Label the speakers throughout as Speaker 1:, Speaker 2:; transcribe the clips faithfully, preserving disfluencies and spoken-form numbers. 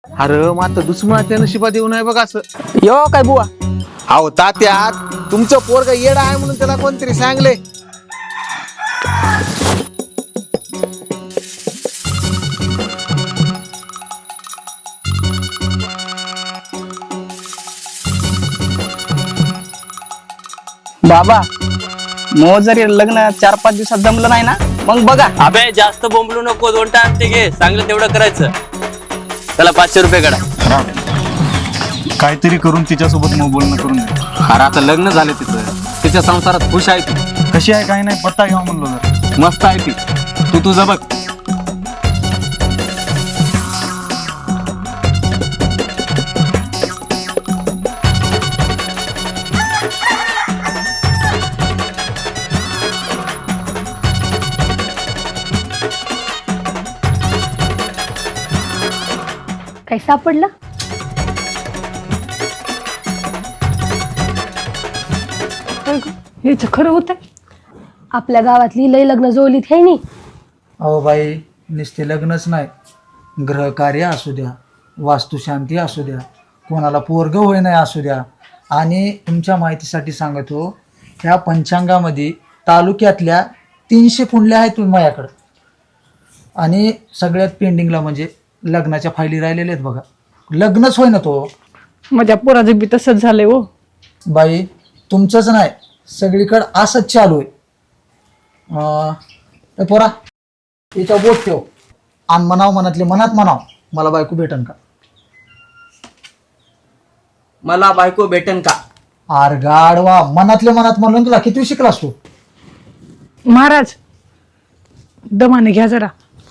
Speaker 1: अरे मात्र दुश्मनाच्या नशिबात येऊ नये बघ असं.
Speaker 2: यो काय बुवा
Speaker 1: अहो तात्या, तुमचं पोरग येडा आहे म्हणून त्याला कोणतरी सांगले.
Speaker 2: बाबा मग जरी लग्न चार पाच दिवसात जमलं नाही ना मग बघा.
Speaker 3: अबे जास्त बोंबलू नको, दोन टाइम ते घे, चांगलं तेवढं करायचं. त्याला पाचशे रुपये काढा.
Speaker 4: काहीतरी करून तिच्यासोबत मग बोलणं करून दे.
Speaker 3: अरे आता लग्न झालं तिचं, तिच्या संसारात खुश आहे ती.
Speaker 4: कशी आहे काही नाही पत्ता घ्यावा म्हणलो जर.
Speaker 3: मस्त आहे ती, तू तुझं बघ.
Speaker 5: काय सापडलं?
Speaker 6: हेच खरं होत.
Speaker 5: आपल्या गावातली लय लग्न जोडलीत हे नी.
Speaker 7: अहो बाई, नुसते लग्नच नाही, ग्रहकार्य असू द्या, वास्तुशांती असू द्या, कोणाला पोरग होय नाही असू द्या. आणि तुमच्या माहितीसाठी सांगतो, ह्या पंचांगामध्ये तालुक्यातल्या तीनशे कुंडल्या आहेत माझ्याकडं. आणि सगळ्यात पेंडिंगला म्हणजे लग्नाच्या फायली राहिलेल्या आहेत बघा. लग्नच होय ना तो.
Speaker 6: माझ्या पोराचं बी तसंच झालंय हो.
Speaker 7: बाई तुमचंच नाही, सगळीकडं असंच चालू आहे. अं, पोरा याच्या बोट ठेव आणि म्हणाव, मनातले मनात म्हणाव, मला बायको भेटन का?
Speaker 2: मला बायको भेटन का?
Speaker 7: आर गाडवा, मनातले मनात म्हणून तुला किती शिकलास तू?
Speaker 6: महाराज दमाने घ्या जरा.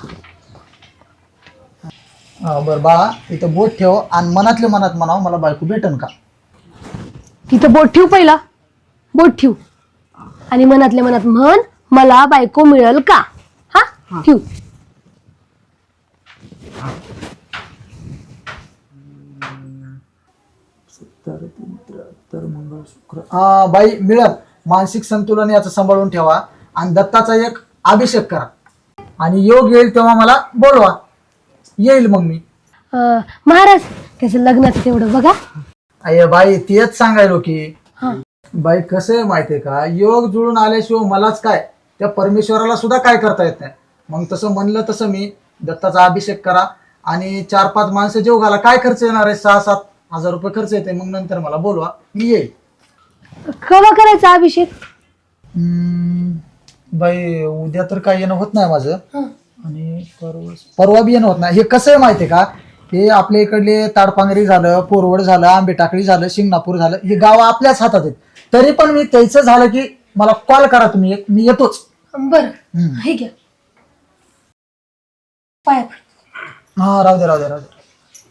Speaker 7: अं, बरं बाळा, इथं बोट ठेव आणि मनातले मनात म्हणाव, मला बायको भेटन का?
Speaker 5: तिथं बोट ठेव, पहिला बोट ठेव आणि मनातल्या मनात म्हण, मला बायको मिळेल का? हा ठेव.
Speaker 7: अं, बाई मिळत. मानसिक संतुलन याचं सांभाळून ठेवा आणि दत्ताचा एक अभिषेक करा आणि योग येईल तेव्हा मला बोलवा, येईल मग मी.
Speaker 5: अं, महाराज त्याचं लग्नाचं तेवढं बघा.
Speaker 7: अय बाई तेच सांगायलो की बाई कसं आहे माहितीये का, योग जुळून आल्याशिवाय मलाच काय, त्या परमेश्वराला सुद्धा काय करता येत नाही. मग तसं म्हणलं तसं मी दत्ताचा अभिषेक करा आणि चार पाच माणसं जेव घाला. काय खर्च येणार आहे? सहा सात हजार रुपये खर्च येते. मग नंतर मला बोलवा, मी येईल.
Speaker 5: केव्हा करायचा अभिषेक?
Speaker 7: हम्म, बाई उद्या तर काय येणं होत नाही माझं, आणि परवा परवा बी येणं होत नाही. हे कसं आहे माहितीये का, हे आपल्या इकडले ताडपांगरी झालं, पोरवड झालं, आंबे टाकळी झालं, शिंगणापूर झालं, हे गाव आपल्याच हातात आहेत. तरी पण मी त्याचं झालं की मला कॉल करा तुम्ही, एक मी येतोच.
Speaker 5: बरं हे घ्या पाया पड.
Speaker 7: हा राहू दे राहू दे राहू दे.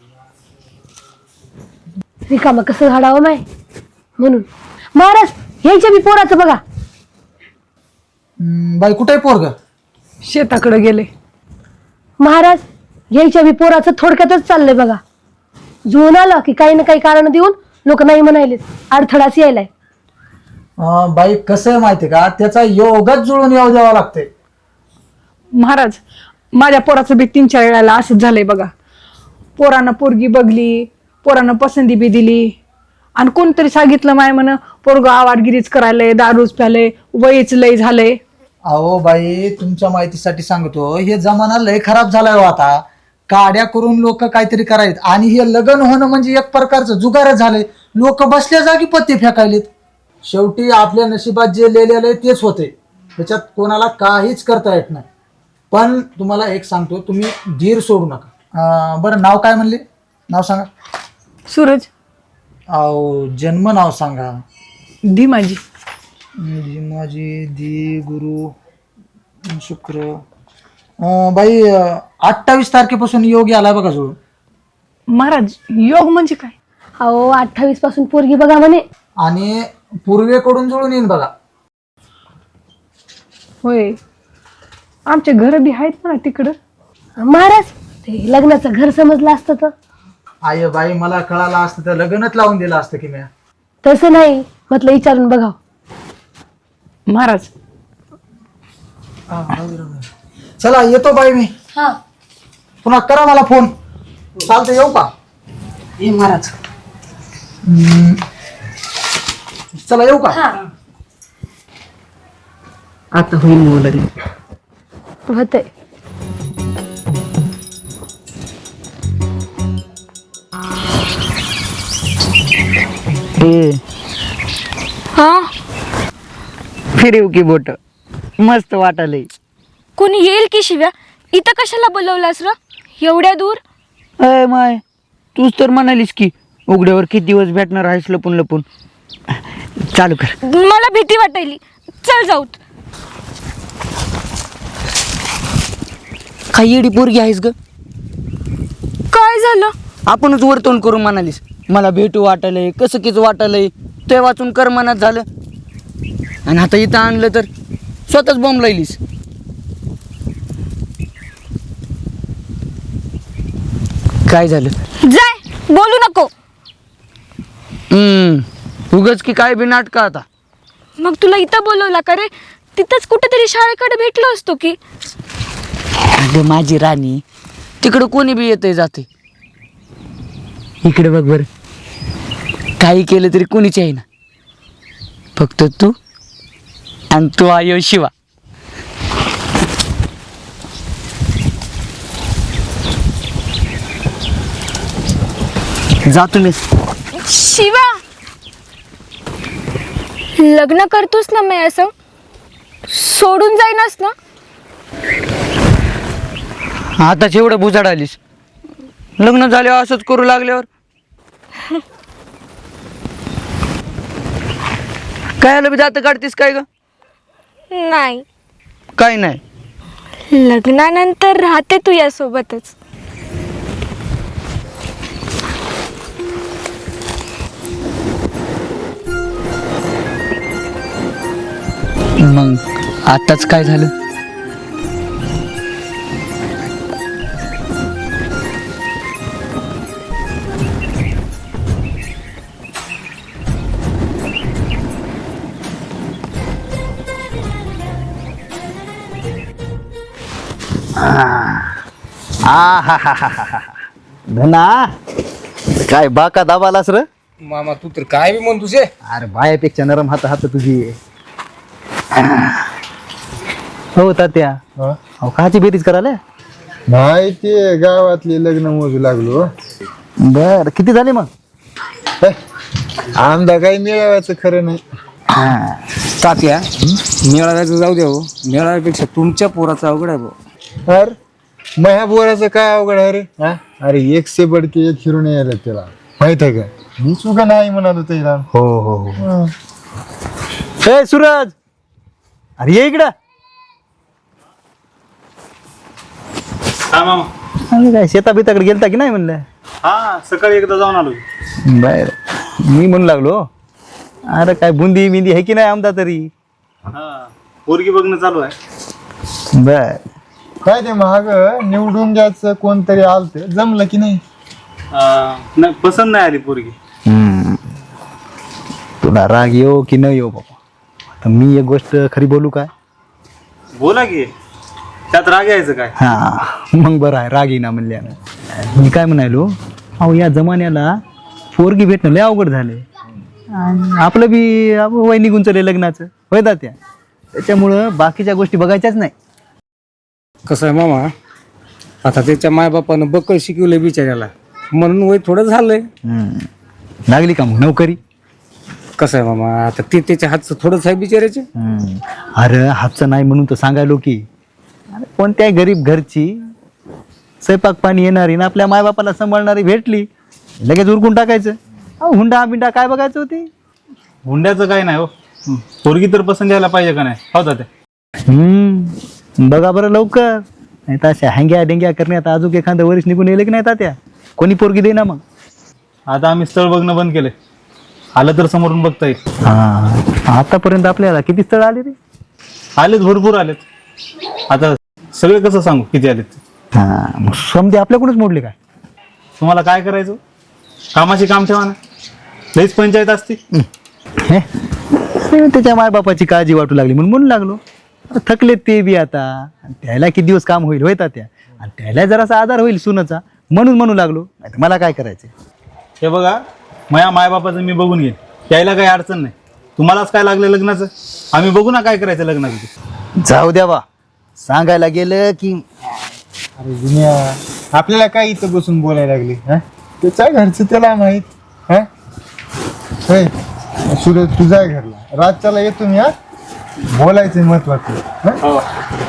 Speaker 5: रिकामा कसं घाडावं माय म्हणून. महाराज ह्याच्या बी पोराचं बघा.
Speaker 7: हम्म, बाई कुठे आहे पोरग?
Speaker 6: शेताकडे गेले.
Speaker 5: महाराज ह्याच्या बी पोराचं थोडक्यातच चाललंय बघा. जुळून आलं की काही ना काही कारण देऊन लोक नाही म्हणायलेत, अडथळाच यायलाय.
Speaker 7: अं, बाई कसं आहे माहितीये का, त्याचा योगच जुळून येऊ द्यावा लागते.
Speaker 6: महाराज माझ्या पोराचं बी तीन चार वेळाला असंच झालंय बघा. पोरानं पोरगी बघली, पोरानं पसंती बी दिली आणि कोणतरी सांगितलं माय म्हण पोरग आवाडगिरीच करायलंय, दारूच प्यालंय, वयच लय झालंय.
Speaker 7: अहो बाई तुमच्या माहितीसाठी सांगतो, हे जमाना लय खराब झालाय हो आता. काड्या करून लोक काहीतरी करायत आणि हे लग्न होणं म्हणजे एक प्रकारचं जुगारच झालंय. लोक बसल्या जागी पत्ते फेकायलेत. शेवटी आपल्या नशिबात जे लिहिलेलं आहे तेच होते, त्याच्यात कोणाला काहीच करता येत नाही. पण तुम्हाला एक सांगतो, तुम्ही धीर सोडू नका. अं, बरं नाव काय म्हणले? नाव सांगा.
Speaker 6: सूरज.
Speaker 7: अहो जन्म नाव सांगा.
Speaker 6: दी माझी.
Speaker 7: जी माझी दी गुरु शुक्र. अं, बाई अठ्ठावीस तारखेपासून योग आलाय बघा जुळून.
Speaker 6: महाराज योग म्हणजे काय?
Speaker 5: अहो अठ्ठावीस पासून पोरगी बघा म्हणे.
Speaker 7: आणि पूर्वेकडून जुळून येईन बघा.
Speaker 6: होय, आमचे घर बी आहेत ना तिकडं.
Speaker 5: महाराज ते लग्नाचं घर समजलं असतं तर.
Speaker 7: आय बाई मला कळालं असतं तर लग्नच लावून दिलं असतं की मी.
Speaker 5: तसं नाही म्हटलं, विचारून बघा.
Speaker 6: महाराज
Speaker 7: चला येतो बाई मी.
Speaker 5: हा
Speaker 7: पुन्हा करा मला फोन. चालतं येऊ का
Speaker 2: हे महाराज
Speaker 7: चला येऊ का
Speaker 2: आता होईल मग लग्न.
Speaker 5: होतंय.
Speaker 2: हे
Speaker 8: हा
Speaker 2: फिरव की बोट मस्त वाटालय.
Speaker 8: कोणी येईल की शिव्या? इथं कशाला बोलवलास र एवढ्या दूर?
Speaker 2: अय माय तूच तर म्हणालीस की उघड्यावर किती दिवस भेटणार आहेस लपून लपून. चालू कर.
Speaker 8: मला भीती वाटायली. चल जाऊत.
Speaker 2: काही येडी पोरगी आहेस ग.
Speaker 8: काय झालं?
Speaker 2: आपणच वर तोंड करून म्हणालीस मला भेटू वाटायलंय कसं किच वाटायलंय ते वाचून कर मनात झालं आणि आता इथं आणलं तर स्वतःच बॉम्ब लायलीस. काय झालं?
Speaker 8: जाय बोलू नको.
Speaker 2: हम्म उगच की काय बी नाटक आता.
Speaker 8: मग तुला इथं बोलवला का रे? तिथंच कुठेतरी शाळेकडे भेटलो असतो की.
Speaker 2: अगं माझी राणी तिकडं कोणी बी येतंय जाते. इकडे बघ बर काही केलं तरी कोणीच आहे ना फक्त तू आणि तू आयो शिवा. जा तुम्ही.
Speaker 8: शिवा लग्न करतोस ना मी असं सोडून जाईनास ना?
Speaker 2: आताच एवढं बुजाड आलीस लग्न झाल्यावर असंच करू लागल्यावर काय आलं बी जात काढतीस काय ग?
Speaker 8: नाही
Speaker 2: काय नाही.
Speaker 8: लग्नानंतर राहते तू यासोबतच.
Speaker 2: मग आताच काय झालं?
Speaker 1: धना काय बाका दाबालास र.
Speaker 7: मामा तू तर काय बी म्हण तुझे.
Speaker 1: अरे बायापेक्षा नरम हात हात तुझी. हो तात्या अहो काची बेरीज करायला.
Speaker 9: नाही ते गावातले लग्न मोजू लागलो.
Speaker 1: बर किती झाले मग?
Speaker 9: आमदा काही मिळवायचं खरं नाही.
Speaker 7: तात्या मेळाव्याचं जाऊ द्या हो मेळाव्यापेक्षा तुमच्या पोराचा अवघड आहे भाऊ.
Speaker 9: अरे मह्या बोराचं काय अवघड आहे रे. हा? अरे एक से बडके एक हिरून यायला त्याला माहित आहे का. मी सुद्धा नाही म्हणालो त्याला.
Speaker 1: हो हो हो. ए सूरज अरे ये इकडं.
Speaker 4: हा मामा.
Speaker 1: अरे काय शेता बिताकडे गेलता की नाही म्हणलं.
Speaker 4: हा सकाळी एकदा जाऊन आलो.
Speaker 1: बर मी म्हणू लागलो अरे काय बुंदी बिंदी आहे की नाही आमदा तरी.
Speaker 4: हा पोरगी बघणं चालू आहे.
Speaker 1: बर
Speaker 9: काय ते महाग निवडून घ्यायचं कोणतरी आलत जमलं की नाही.
Speaker 4: अं, नाही पसंत नाही आली पोरगी.
Speaker 1: हम्म. तुला राग येऊ की न येऊ बाबा. आता मी एक गोष्ट खरी बोलू काय.
Speaker 4: बोला की त्यात राग यायचं काय.
Speaker 1: हा मग बरं आहे राग येईना म्हणल्यानं. मी काय म्हणालो अहो या जमान्याला पोरगी भेटणं लय अवघड झाले. आपलं बी वय निघून चालले लग्नाचं होय त्या त्याच्यामुळं बाकीच्या गोष्टी बघायच्याच नाही.
Speaker 7: कसं आहे मामा आता त्याच्या मायबापानं बक्कळ शिकवलंय बिचाऱ्याला म्हणून वय थोडं झालंय.
Speaker 1: हम्म. लागली का मग नोकरी.
Speaker 7: कसं आहे मामा आता ते त्याच्या हातचं थोडंच आहे बिचाऱ्याचे.
Speaker 1: हम्म. अरे हातचं नाही म्हणून तर सांगायलो की अरे कोणत्याही गरीब घरची स्वयंपाक पाणी येणारी ना आपल्या मायबापाला सांभाळणारी भेटली लगेच उरकून टाकायचं. अहो हुंडा बिंडा काय बघायचं होती.
Speaker 4: हुंड्याचं काय नाही हो. पोरगी तर पसंत यायला पाहिजे का नाही होता ते.
Speaker 1: हम्म बघा बरं लवकर नाही तर अशा हँग्या डेंग्या करण्यात अजून एखादं वरीस निघून येले की नाही तात्या कोणी पोरगी दे ना मग.
Speaker 4: आता आम्ही स्थळ बघणं बंद केलंय. आलं तर समोरून बघता येईल.
Speaker 1: हा आतापर्यंत आपल्याला किती स्थळ आले रे.
Speaker 4: आलेत भरपूर आलेत. आता सगळे कसं सांगू किती आलेत.
Speaker 1: हा मग समजे आपल्याकडूनच मोडले काय.
Speaker 4: तुम्हाला काय करायचं कामाची काम ठेवा ना. लईच पंचायत असते.
Speaker 1: हे त्याच्या मायबापाची काळजी वाटू लागली म्हणून म्हणून लागलो. थकलेत ते बी आता त्याला किती दिवस काम होईल होय तात्या आणि त्याला जरासा आधार होईल सुनाचा म्हणून म्हणू लागलो नाही तर मला काय करायचं.
Speaker 4: हे बघा माझ्या मायबापाचं मी बघून घेईन, त्याला काही अडचण नाही. तुम्हालाच काय लागलं लग्नाचं, आम्ही बघू ना काय करायचं लग्नाचं ते.
Speaker 1: जाऊ द्या बा, सांगायला गेलं की
Speaker 9: अरे दुनिया आपल्याला काय इथं बसून बोलायला लागली हा? त्याच्या घरचं त्याला माहित हा. होय, सूरज तुझा घरला रातच्याला येतो मी हा, बोलायचं महत्वाचं हा?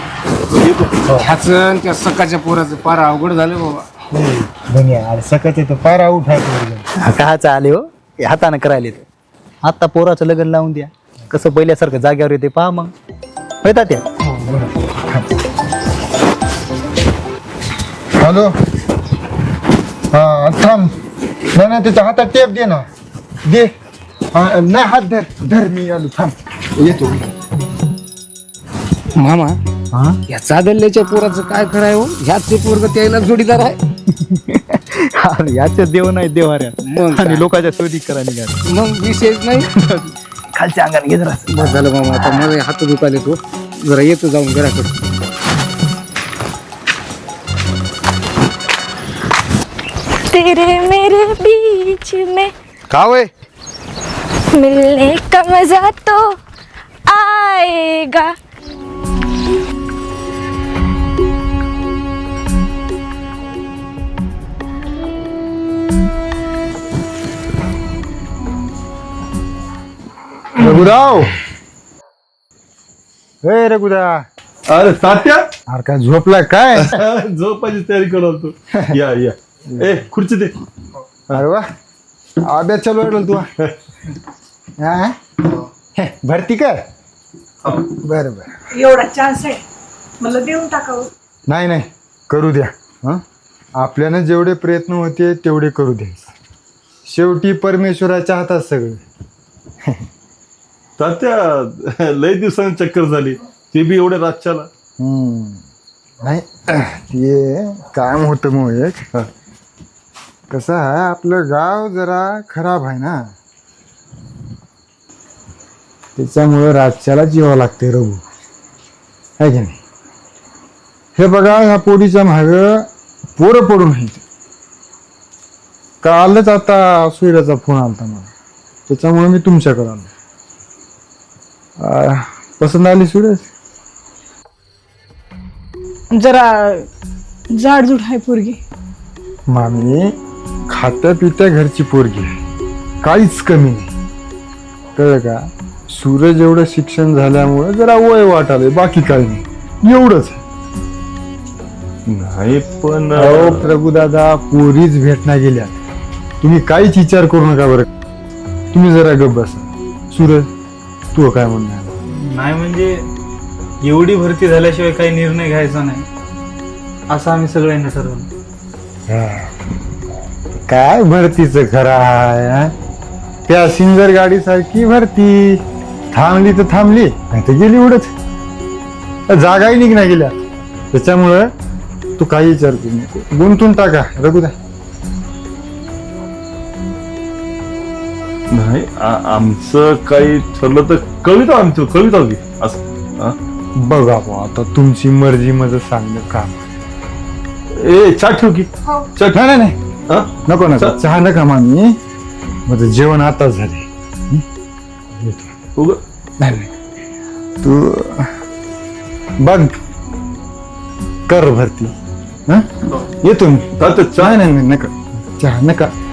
Speaker 10: ह्याचं त्या सकाळच्या पोराचं पार अवघड झालं बाबा.
Speaker 9: होय, दुनिया अरे सकाळचं तर पारा उठायचं.
Speaker 1: काहाचं आले हो, हे हातानं करायले ते. आता पोराचं लग्न लावून द्या, कसं पहिल्यासारखं जाग्यावर येते पहा मग. होता त्या
Speaker 9: हॅलो हा थांब, नाही नाही त्याच्या हातात टेप दे ना, दे. हा, नाही हात धर धर, मी आलो थांब येतो.
Speaker 10: मामा या चादल्याच्या पोराचं काय कराय हो, ह्याच ते पोरग त्याला जोडीदार आहे.
Speaker 1: अरे याचे देव नाही देवाऱ्या
Speaker 10: मग काय?
Speaker 1: आणि लोकांच्या शोधी करा निघाल.
Speaker 10: मग विशेष नाही.
Speaker 1: खालच्या अंगाने घेत राहत.
Speaker 10: बस झालं मामा, आता मला हात दुखायला तो जरा येतो जाऊन घराकडे.
Speaker 8: तेरे मेरे बीच में
Speaker 9: का वय
Speaker 8: मिलने का मजा तो आएगा.
Speaker 9: रघुराव, हे रघुदा,
Speaker 4: अरे तात्या
Speaker 9: अरे काय झोपला काय?
Speaker 4: झोपायची तयारी करतो. या या ए खुर्ची दे.
Speaker 9: अरे वा, अभ्यास चालू आहे तू हा? हे, भरती कर. बरं बरं,
Speaker 6: एवढा चान्स आहे, मला देऊन टाकावं.
Speaker 9: नाही नाही करू द्या. हं? आपल्यानं जेवढे प्रयत्न होते तेवढे करू द्या. शेवटी परमेश्वराच्या हातात सगळं.
Speaker 4: तात्या लय दिवसांनी चक्कर झाली, ते बी एवढ्या रातच्याला.
Speaker 9: हम्म. नाही ते काम होतं मग एक कसं आहे, आपलं गाव जरा खराब आहे ना, त्याच्यामुळं रातच्याला जीवा लागते रघु, आहे की नाही. हे बघा ह्या पोडीच्या माग पोरं पडून आहेत. कालच आता सूर्याचा फोन आलता मला, त्याच्यामुळे मी तुमच्याकडे आलो. आ, पसंत आली सूरज?
Speaker 6: जरा जाडजूड आहे पोरगी.
Speaker 9: मामी खात्या पित्या घरची पोरगी आहे, काहीच कमी नाही, कळलं का. सूरज एवढं शिक्षण झाल्यामुळे जरा वय वाटाले, बाकी काही नाही, एवढंच.
Speaker 4: नाही पण
Speaker 9: अहो प्रभुदादा, पोरीच भेटना गेल्या, तुम्ही काहीच विचार करू नका बरं. तुम्ही जरा गप बसा. सूरज तू काय म्हणणार?
Speaker 4: नाही म्हणजे एवढी भरती झाल्याशिवाय काही निर्णय घ्यायचा नाही असं आम्ही सगळ्यांनी ठरवलं.
Speaker 9: काय भरतीचं खरं आहे हा? त्या सिंगर गाडी सारखी भरती, थांबली तर थांबली, नाही तर गेली उडत, जागाही निघण्या गेल्या. त्याच्यामुळं तू काही विचार करू नको, गुंतून टाका रघुदा.
Speaker 4: नाही आ- आमचं काही ठरलं तर कविता आमचं कविता होती असं. हा?
Speaker 9: बघा बुवा, आता तुमची मर्जी, माझं सांगणं काम.
Speaker 4: ए चहा ठेव की.
Speaker 9: चहा नाही नाही
Speaker 4: हा?
Speaker 9: नको नको,
Speaker 4: चहा-
Speaker 9: चहा नका मामी, माझं जेवण आताच झाले.
Speaker 4: उग
Speaker 9: नाही नाही, तू बघ कर भरती. हं? येतो मी.
Speaker 4: तात्या चहा
Speaker 9: नाही नाही नाही, नका चहा नका.